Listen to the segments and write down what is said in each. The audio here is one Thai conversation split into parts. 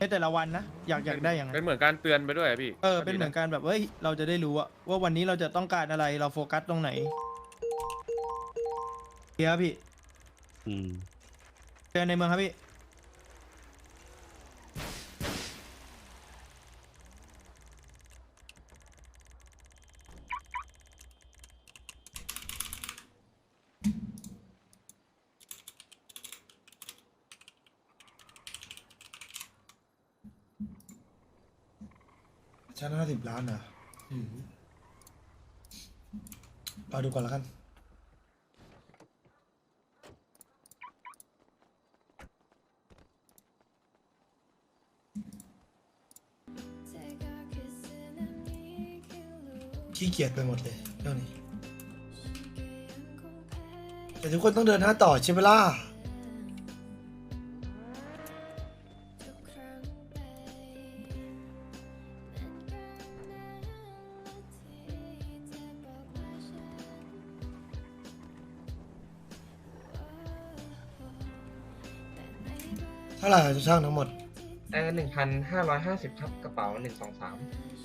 แต่ละวันนะอยากได้อย่างนั้เป็นนเหมือนการเตือนไปด้วยอะพี่เป็นเหมือนการแบบเฮ้ยเราจะได้รู้ว่าวันนี้เราจะต้องการอะไรเราโฟกัสตรงไหนเดี๋ยวพี่เจอในเมืองครับพี่ชั้น50 ล้านเหรอรอดูก่อนแล้วกันขี้เกียจไปหมดเลยเรื่องนี้แต่ทุกคนต้องเดินหน้าต่อใช่ไหมล่ะเท่าไหร่จะช่างทั้งหมด 1,550ครับกระเป๋า123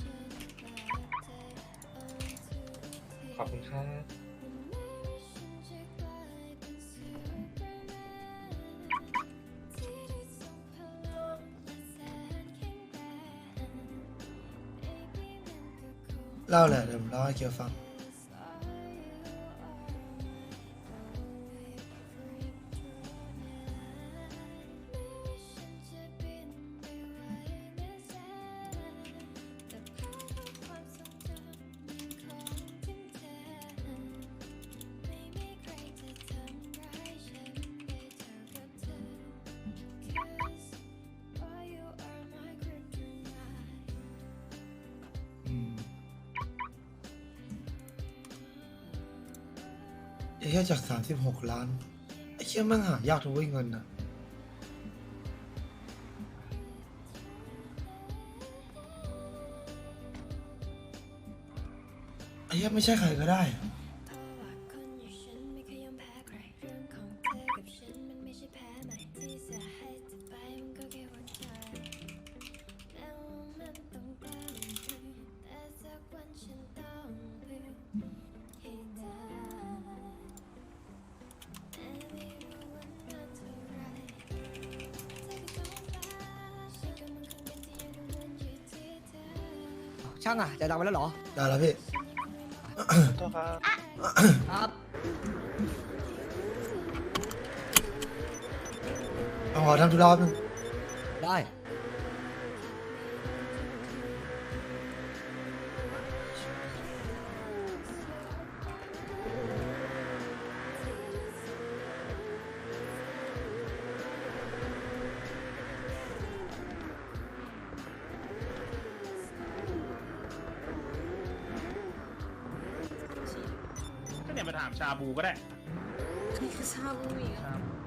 ขอบคุณครับเล่าแหละเดี๋ยวผมเล่าให้เกียวฟังไอ้แค่จาก36 ล้านไอ้เชี่ยแม่งหายากทุกเงินนะไอ้เชี่ยไม่ใช่ใครก็ได้อะช่างอ่ะจะดังไปแล้วเหรอได้แล้วพี่ครับเอาขอทำธุระแป๊บนึงได้ก็เนี่ยมาถามชาบูก็ได้นี่คือชาบูอีกอะ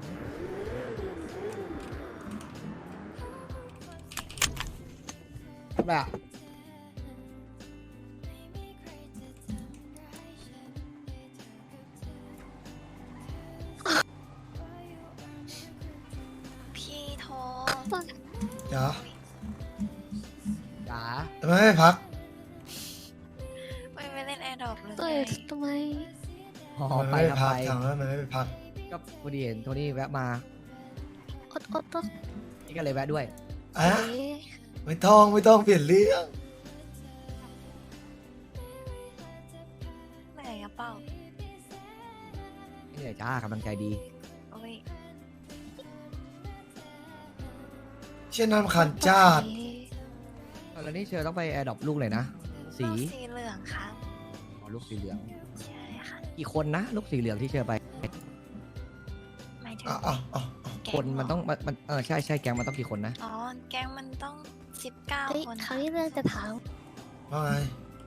แบบพี่โทรจ๋าจ๋าทำไมไม่พักไม่เล่นแอร์ดรอปเลยเอ้ยทำไมอ๋อทำไมไปไม่ครับพักไปถามว่าทำไมไม่ไปพักก็พอดีเห็นโทนี่แวะมาอดอดอดนี่ก็เลยแวะด้วยอ่ะเอ๊ะไม่ต้องเปลี่ยนเรื่องเหนื่อยกระเป๋านี่เลยจ้ากำลังใจดีโอ้ยเช่นน้ำคันจ้าดแล้วนี่เชอต้องไปแอร์ดรอปลูกเลยนะ สีลูกสีเหลืองครับอ๋อลูกสีเหลืองใช่ค่ะกี่คนนะ ลูกสีเหลืองที่เชอไปหมายถึงอ่ะแก๊คนมันเหรต้องมันใช่แก๊งมันต้องกี่คนนะอ๋อ แก๊งมันต้อง19 เฮ้ยคนคราวนี้เรื่องจะถามว่าไง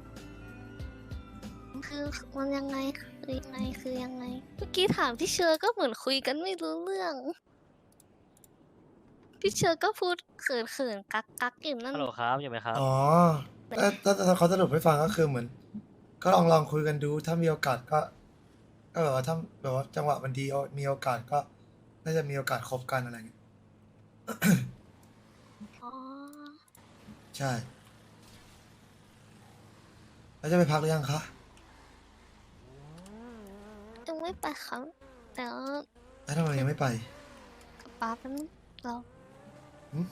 คือมันยังไงคือยังไงคือยังไง เมื่อกี้ถามพี่เชอร์ก็เหมือนคุยกันไม่รู้เรื่อง พี่เชอร์ก็พูดเขินกักอยู่นั่นฮัลโหลครับอยู่ไหมครับอ๋อถ้าเขาสรุปให้ฟังก็คือเหมือน ก็ลองคุยกันดู ถ้ามีโอกาสก็แบบว่าถ้าแบบว่าจังหวะมันดีมีโอกาสก็น่าจะมีโอกาสคบกันอะไรอย่างเงี้ยอ๋อใช่แล้วจะไปพักหรือยังคะยังไม่ไปครับแต่ว่าแล้วทำไมยังไม่ไปกับป๊าแป๊บนึงเราหึ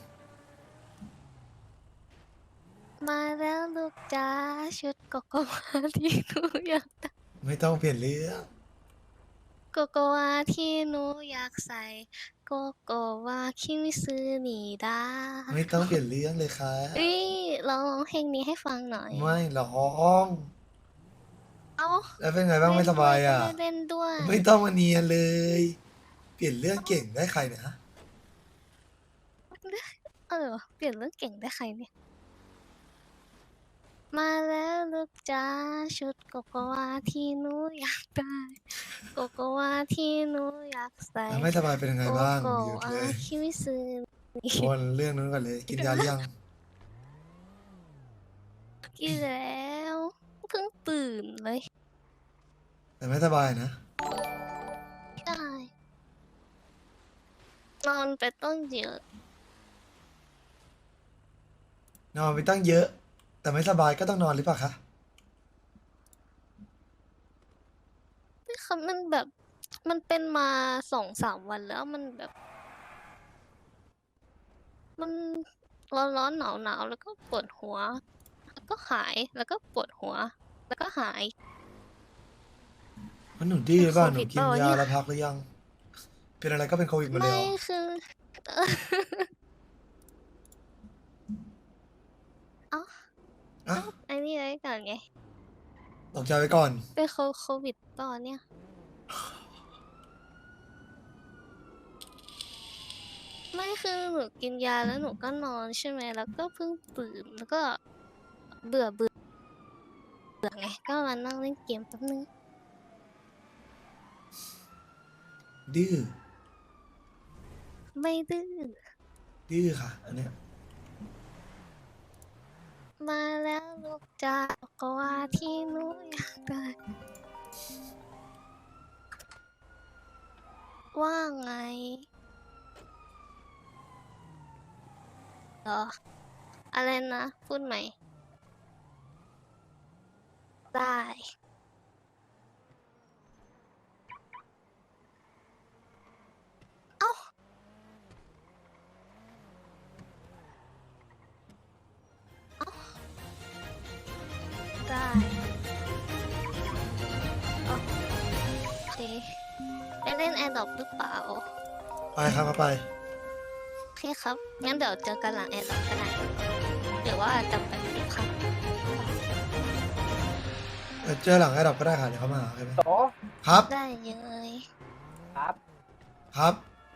มาแล้วลูกจ้าชุดโกโกวาที่หนูอยากได้ไม่ต้องเปลี่ยนเรื่องโกโกวาที่หนูอยากใส่โกโกวาคิมิซึนิดาไม่ต้องเปลี่ยนเรื่องเลยค่ะเอ้ยลองร้องเพลงนี้ให้ฟังหน่อยไม่ร้องเอ้าแล้วเป็นไงบ้างไม่สบายอ่ะไม่เล่นด้วยไม่ต้องมาเนียนเลย เปลี่ยนเรื่องเก่งได้ใครเนี่ยฮะเปลี่ยนเรื่องเก่งได้ใครเนี่ย มาแล้วลูกจ้าชุดโกโกวาที่หนูอยากได้โกโกวาที่หนูอยากใส่แล้วไม่สบายเป็นยังไงโกบ้างโกหยุดวาเลยคิมิซึนิวนเรื่องนู้นก่อนเลย กินยาหรือยังกินแล้วเพิ่งตื่นเลยแต่ไม่สบายนะใช่นอนไปต้องเยอะนอนไปตั้งเยอะ แต่ไม่สบายก็ต้องนอนหรือเปล่าคะนี่ค่ะมันแบบ มันเป็นมา2-3 วันแล้วมันแบบ มันร้อนหนาวแล้วก็ปวดหัว แล้วก็หายแล้วก็ปวดหัว แล้วก็หายเพราะหนูดื้อหรือเปล่าเป็นหโคนูวิดกินเปล่าวะยาเนี่ยแล้วพักหรือยัง เป็นอะไรก็เป็นโควิดหมาเลยไม่เหรอคือ เอ้าอ่ะไอ้นี่ไว้ก่อนไงตกใจไว้ก่อนเป็นโควิดตอนเนี่ย ไม่คือหนูกินยาแล้วหนูก็นอนใช่ไหมแล้วก็เพิ่งตื่นแล้วก็เบื่อไงก็มานั่งเล่นเกมแป๊บนึงดื้อไม่ดื้อดื้อค่ะ อันเนี้ยมาแล้วลูกจ้าก็ว่าที่หนูอยากได้ว่าไงเหรออะไรนะพูดใหม่ได้เอ้าได้โอเคไปเล่นแอร์ดรอปหรือเปล่าไปครับมาไปโอเคครับ งั้นเดี๋ยวเจอกันหลังแอร์ดรอปก็ได้หรือว่าจะไปดูครับเจอหลังไอ้ดอกก็ได้ค่ะเดี๋ยวเขามาหาใช่ไหมโตครับได้เลยครับครับ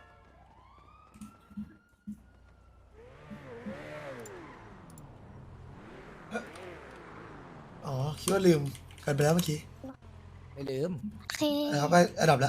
อ๋อ คิดว่าลืมกันไปแล้วเมื่อกี้ไม่ลืมโอเคนะครับไปอันดับแล้ว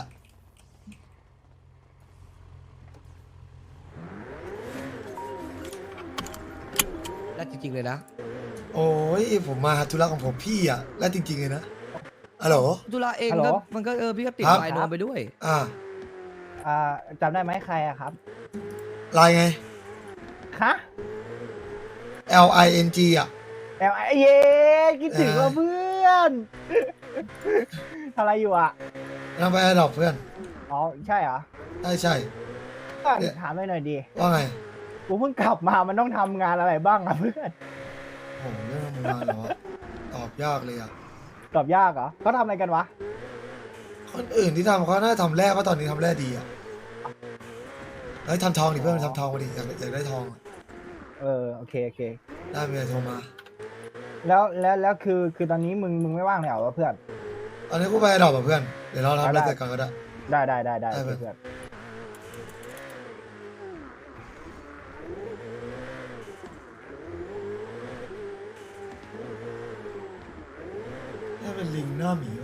แล้วจริงๆเลยนะโอ้ยผมมาธุระของผมพี่อ่ะ แล้วจริงๆเลยนะอะโหลธุระเองฮัลโหลก็มันก็พี่ก็ติดครับไลน์โนมไปด้วยอ่าจำได้ไหมใครอะครับไลน์ไงฮะ L I N G อ่ะเย้คิดถึงว่าเพื่อน ทำอะไรอยู่อ่ะนั่งไปอันดับเพื่อนอ๋อ ใช่เหรอใช่ใช่ก็เนี่ยถามหน่อยดีว่าไงกูเพิ่งกลับมามันต้องทำงานอะไรบ้างอะเพื่อนโหเรื่องทำงานเหรอตอบยากเลยอ่ะตอบยากเหรอเขาทำอะไรกันวะคนอื่นที่ทำเขาน่าจะทำแร่เพราะตอนนี้ทำแร่ดีอ่ะเฮ้ยทำทองดิเพื่อนทำทองมาดิอยากได้ทองอะโอเคได้เมียโทรมาแล้วคือตอนนี้มึงไม่ว่างเลยเหรอวะเพื่อนตอนนี้กูไปอันดับกับเพื่อน เดี๋ยวเราทำได้อะไรเสร็จก่อนก็ได้ได้ได้โอเพื่อนเคเพื่อนนี่เป็นลิงหน้าหมี